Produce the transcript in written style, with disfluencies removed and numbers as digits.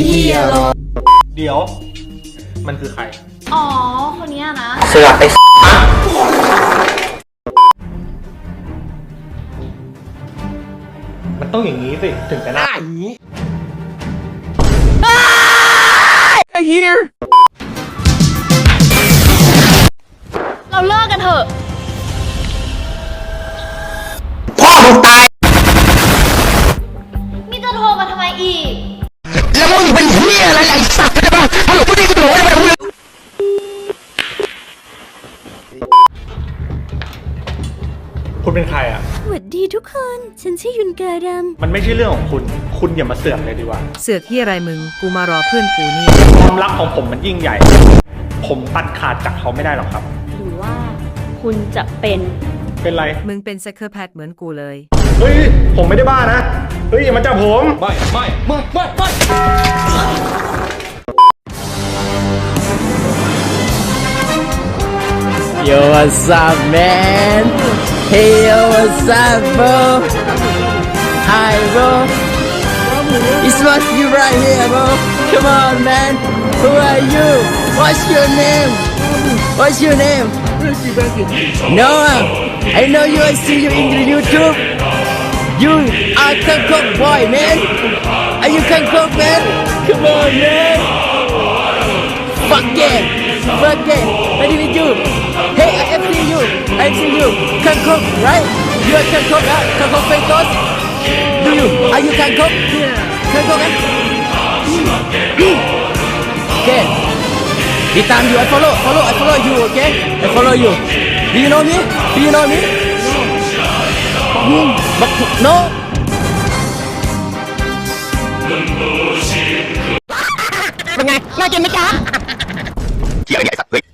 เหี้ยหรอกเดี๋ยวมันคือใครอ๋อคนนี้นะเสือกไอ้มันต้องอย่างนี้สิถึงจะน่าไอ้เหี้ยเราเลิกกันเถอะพ่อมึงตายนี่จะโทรมาทำไมอีกแล้วมึงเป็นเหี้ยอะไรไอ้สัตว์กันบ้างฮัลโหลพูดดีกูโดนได้ไหมคุณเป็นใครอ่ะสวัสดีทุกคน ฉันชื่อยุนการัมมันไม่ใช่เรื่องของคุณอย่ามาเสือกเลยดีกว่าเสือกที่อะไรมึงกูมารอเพื่อนกูนี่ความรักของผมมันยิ่งใหญ่ผมตัดขาดจากเขาไม่ได้หรอกครับหรือว่าคุณจะเป็นไรมึงเป็นไซเคิลแพทเหมือนกูเลยเฮ้ยผมไม่ได้บ้านะเฮ้ยอย่ามาจับผมไม่ Yo what's up man Hey yo what's up bro Hi bro It's must be right here bro Come on man Who are you What's your name What's your name Noah I know you I see you in the YouTube You are Kangkok boy man Are you Kangkok man Come on man Fuck it Fuck it Ready with you Hey I see you I see you Kangkok right You are Kangkok Kangkok famous Do you Are you Kangkok Kangkok kan Okay This time you I follow you okay I follow you Do you know me Do you know me But no เป็นไงน่ากินไหมจ๊ะเกี่ยวไอ้สัตว์เฮ้ย